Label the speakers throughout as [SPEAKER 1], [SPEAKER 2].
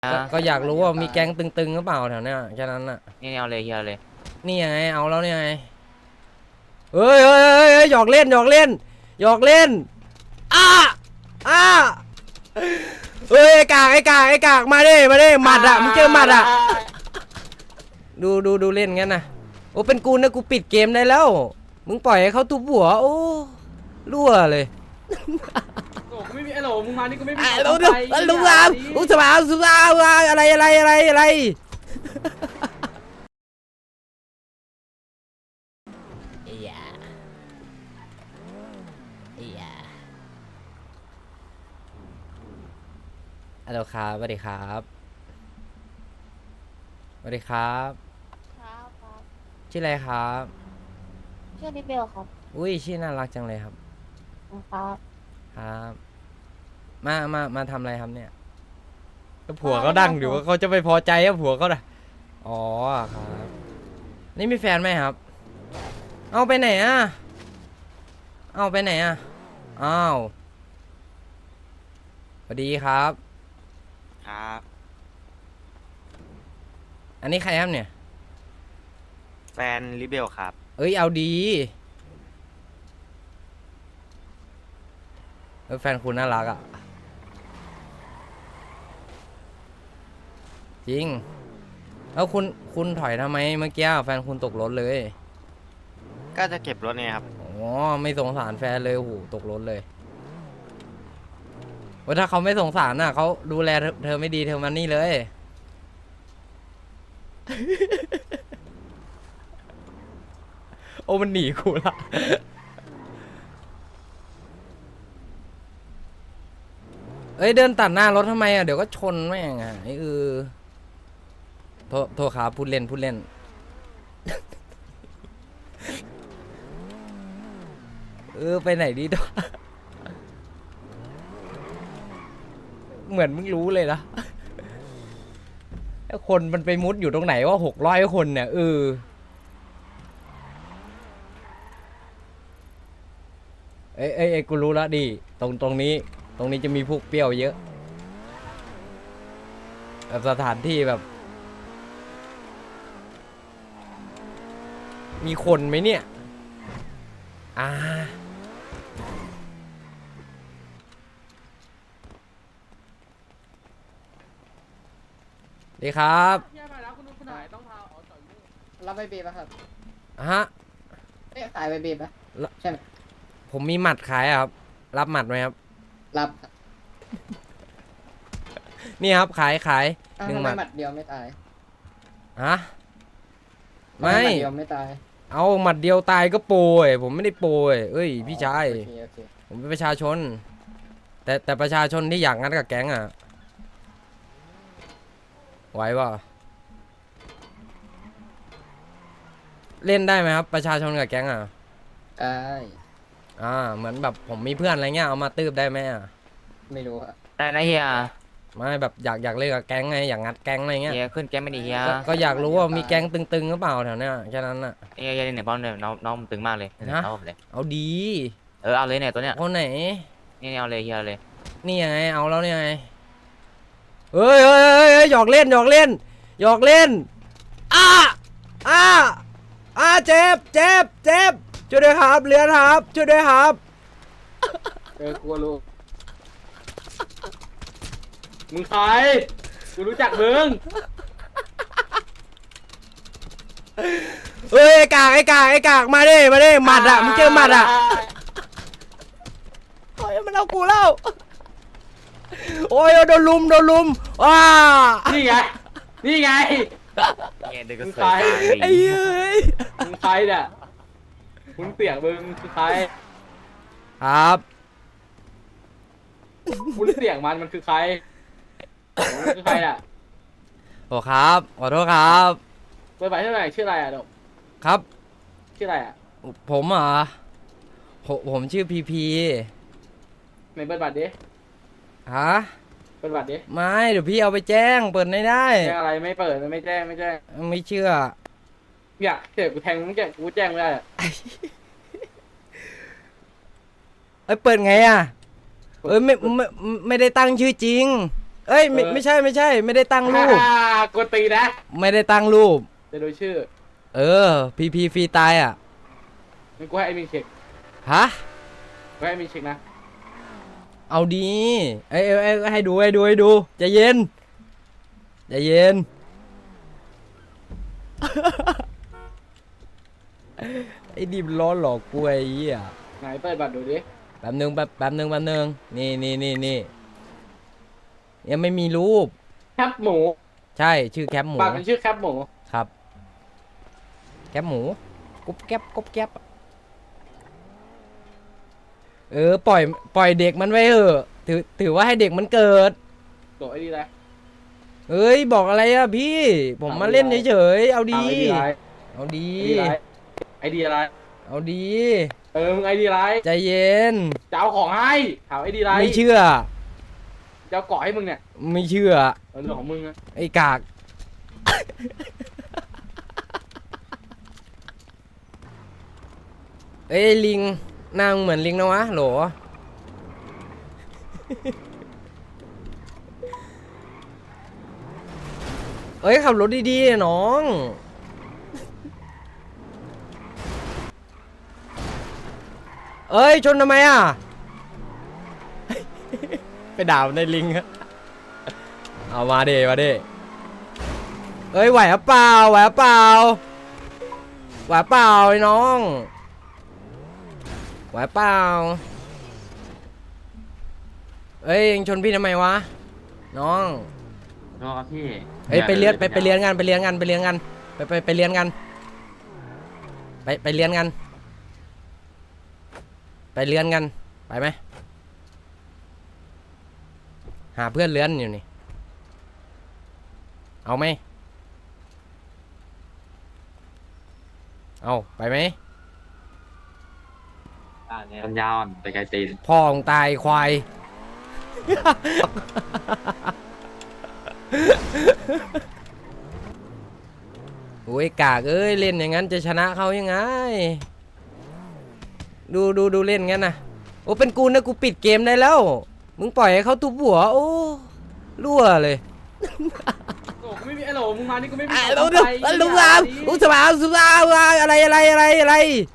[SPEAKER 1] ก็อยากรู้ว่ามีแก๊งตึงๆหรือเปล่าแถวเนี้ยแค่นั้นน่ะ
[SPEAKER 2] นี่เอาเลยเฮียเลย
[SPEAKER 1] นี่ไงเอาแล้วนี่ไงเฮ้ยเฮ้ยเฮ้ยหยอกเล่นหยอกเล่นหยอกเล่นอ้าอ้าเฮ้ยไอ้กากไอ้กากไอ้กากมาดิมาดิหมัดอ่ะมึงเจอหมัดอ่ะดูเล่นงั้นนะโอ้เป็นกูนะกูปิดเกมได้แล้วมึงปล่อยให้เขาทุบหัวโอ้รั่วเลย
[SPEAKER 3] โอ้กูไม่มีไอ้โหลมึงมานี่กูไม่มี
[SPEAKER 1] รู้สบายอะไรฮัลโหลครับสวัสดีครับสวัสดีครับ
[SPEAKER 4] ครับครับ
[SPEAKER 1] ชื่ออะไรครับ
[SPEAKER 4] ชื่อลิเบลครับ
[SPEAKER 1] อุ้ยชื่อน่ารักจังเลยครับ
[SPEAKER 4] ครับ
[SPEAKER 1] ครับมาทำอะไรครับเนี่ยก็ผัวเขาดังอยู่ว่าเขาจะไปพอใจกับผัวเขาน่ะอ๋อครับนี่มีแฟนไหมครับเอาไปไหนอ่ะเอาไปไหนอ่ะอ้าวสวัสดีครับ
[SPEAKER 2] ครับ
[SPEAKER 1] อันนี้ใครครับเนี่ย
[SPEAKER 2] แฟนลิเบลครับ
[SPEAKER 1] เอ้ยเอาดีแฟนคุณน่ารักอ่ะจริงแล้วคุณถอยทำไมเมื่อกี้แฟนคุณตกรถเลย
[SPEAKER 2] ก็จะเก็บรถเนี่ยครับ
[SPEAKER 1] อ๋อไม่สงสารแฟนเลยโหตกรถเลยว่าถ้าเขาไม่สงสารน่ะเขาดูแลเธอไม่ดีเธอมานี่เลย โอ้มันหนีกูละเอ้ยเดินตัดหน้ารถทำไมอ่ะเดี๋ยวก็ชนแม่งอ่ะไอ้โทษครับพูดเล่น ไปไหนดีตัว เหมือนมึงรู้เลยนะคนมันไปมุดอยู่ตรงไหนว่า600 คนเนี่ยเอ้ยกูรู้แล้วดิตรงนี้จะมีพวกเปรี้ยวเยอะแบบสถานที่แบบมีคนไหมเนี่ยดีครับ
[SPEAKER 3] แย่ไปแล้วคุณหายต้องพาอ๋อต่อยมือ
[SPEAKER 5] รับใบเบป่ะครับ
[SPEAKER 1] ฮะ
[SPEAKER 5] เอ๊ะขายใบเบป่ะใช่ไหม
[SPEAKER 1] ผมมีหมัดขายอะครับรับหมัดไหมครับ
[SPEAKER 5] รับครับ
[SPEAKER 1] นี่ครับขาย
[SPEAKER 5] อ้าว
[SPEAKER 1] หนึ่ง
[SPEAKER 5] ทำ
[SPEAKER 1] ห
[SPEAKER 5] ไม
[SPEAKER 1] มัด
[SPEAKER 5] หมัดเดียวไม่ตาย
[SPEAKER 1] ฮะ
[SPEAKER 5] ทำห
[SPEAKER 1] ไม่
[SPEAKER 5] มัดเดียวไม่ตาย
[SPEAKER 1] เอาหมัดเดียวตายก็โปรยผมไม่ได้โปรยเอ้ยพี่ชาย
[SPEAKER 5] โอเค
[SPEAKER 1] ผมเป็นประชาชน แต่ประชาชนที่อยากงัดกับแก๊งอ่ะไหวป่ะเล่นได้ไหมครับประชาชนกับแก๊งอ่ะ
[SPEAKER 5] ได้
[SPEAKER 1] เหมือนแบบผมมีเพื่อนอะไรเงี้ยเอามาตืบได้ไหมอ่ะ
[SPEAKER 5] ไม่รู้ครับ
[SPEAKER 2] ได้นะเฮีย
[SPEAKER 1] ไม่แบบอยากเล่นกับแก๊งไงอยากงัดแก๊งอะไรเงี้ย
[SPEAKER 2] เฮียขึ้นแก๊งไม่ดีเฮีย
[SPEAKER 1] ก็อยากรู้ว่ามีแก๊งตึงๆหรือเปล่าแถวเนี้ยแค่นั้นน่ะ
[SPEAKER 2] เฮียเนี่ยป้อมเนี่ยน้องตึงมากเลย
[SPEAKER 1] ฮะ
[SPEAKER 2] เอาเลย
[SPEAKER 1] เอาดี
[SPEAKER 2] เอาเลยเนี่ยตัวเนี้ย
[SPEAKER 1] คนไหน
[SPEAKER 2] นี่เอาเลยเฮียเลย
[SPEAKER 1] นี่ไงเอาแล้วนี่ไงเฮ้ยหยอกเล่นเจ็บช่วยด้วยครับเรือนครับช่วยด้วยครับ
[SPEAKER 3] กลัวลูกมึงใครกูรู้จักมึง
[SPEAKER 1] เฮ้ยไอ้กากมาดิหมัดอ่ะมึงเจอหมัดอ่ะโอ้ยมันเอากูแล้วโอ้ยโดนลุมว้า
[SPEAKER 3] นี่ไง
[SPEAKER 2] เฮียเด็กก็
[SPEAKER 3] มึง
[SPEAKER 2] เส
[SPEAKER 3] ใคร
[SPEAKER 2] ย
[SPEAKER 1] ไอ้เอ้ย
[SPEAKER 3] มึงใครเนี่ยมึงเสียงมึงคือใคร
[SPEAKER 1] ครับ
[SPEAKER 3] คุณเสียงมันคือใครมันคือใครอ่ะ
[SPEAKER 1] โอ้ครับขอโทษครับ
[SPEAKER 3] เปิดไปเท่าไหร่ชื่ออะไรอ่ะดก
[SPEAKER 1] ครับ
[SPEAKER 3] ชื่ออะไรอ่ะ
[SPEAKER 1] ผมเหรอผมชื่อพี
[SPEAKER 3] ไหนเปิดบัตรดิ
[SPEAKER 1] ฮะ
[SPEAKER 3] เปิดบัตรดิ
[SPEAKER 1] ไม่เดี๋ยวพี่เอาไปแจ้งเปิดไม่ได้
[SPEAKER 3] แจ้งอะไรไม่เปิดไม่แจ้ง
[SPEAKER 1] ไม่เชื่อ
[SPEAKER 3] เนี่ยเดี๋ยวกูแทงมึงแจ้งกูแจ้งไม่ได้อะ
[SPEAKER 1] เปิดไงอ่ะไม่ได้ตั้งชื่อจริงเอ้ยไม่ใช่ไม่ใช่ ไม่ได้ตั้งรูป
[SPEAKER 3] กดตีนะ
[SPEAKER 1] ไม่ได้ตั้งรูป
[SPEAKER 3] จะดูชื่อ
[SPEAKER 1] เออพีฟรีตายอ่ะ
[SPEAKER 3] งั้นกูให้ไอ้มิงเช็ค
[SPEAKER 1] ฮะ
[SPEAKER 3] กูให้ไอ้มิงเช็คนะ
[SPEAKER 1] เอาดีเอ้ยให้ดูใจเย็นใจเย็น ไอ้ดิมล้อหลอกกูไอ้เหี้ย
[SPEAKER 3] ไหนเปิดบัตรดูดิ
[SPEAKER 1] แป๊บนึงนี่ยังไม่มีรูป
[SPEAKER 3] แคปหมู
[SPEAKER 1] ใช่ชื่อแคปหมู
[SPEAKER 3] บัตรมันชื่อแคปหมู
[SPEAKER 1] ครับ แคปหมูกุ๊บแก๊บเออปล่อยเด็กมันไว้เถอะถือว่าให้เด็กมันเกิด
[SPEAKER 3] ตัวไอ้นี่แหละ
[SPEAKER 1] เอ้ยบอกอะไรอะพี่ ผมมาเล่นเฉยๆเอาดี
[SPEAKER 3] ไอดีไร
[SPEAKER 1] เอาดี
[SPEAKER 3] ไอดีอะไร
[SPEAKER 1] เอาดี
[SPEAKER 3] มึงไอดีไร
[SPEAKER 1] ใจเย็น
[SPEAKER 3] จะเอาของให้ถามไอดีไร
[SPEAKER 1] ไม่เชื่อ
[SPEAKER 3] จะเอาเกาะให้มึงเนี่ย
[SPEAKER 1] ไม่เชื่อ
[SPEAKER 3] เรื่องของมึงอะ
[SPEAKER 1] ไอ้กาก เอ้ยลิงหนางเหมือนลิงนะวะโหล เอ้ยขับรถดีๆน้อง เอ้ยชนทำไมอ่ะ ไปด่ามันในลิงอะเอามาเดเอ้ยไหวหรือเปล่าไอ้น้องไหวเปล่าเอ้ยยังชนพี่ทำไมวะน้อง
[SPEAKER 2] โทษครับพี่
[SPEAKER 1] เอ้ยไปเรียนกันไปเรียนกันไปเรียนกันไปเรียนกันไปเรียนกันไปไหมหาเพื่อนเรียนอยู่นี่เอาไหมเอาไปไหม
[SPEAKER 2] ปัญญาอ่อนไปไกลตีน
[SPEAKER 1] พ่อของตายควาย โอ้ยกากเอ้ยเล่นอย่างนั้นจะชนะเขายังไงดูเล่นงั้นนะโอ้เป็นกูนะกูปิดเกมได้แล้วมึงปล่อยให้เขาทุบหัวโอ้รั่วเลย
[SPEAKER 3] โอ้กูไม่มีไอ้โหลมึงมานี่กูไม่มี
[SPEAKER 1] ลุงสบายอะไร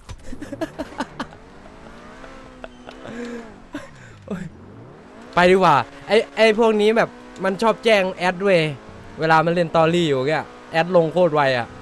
[SPEAKER 1] ไปดีกว่าไอพวกนี้แบบมันชอบแจ้งแอดเวยเวลามันเล่นตอรี่อยู่แกแอดลงโคตรไวอ่ะ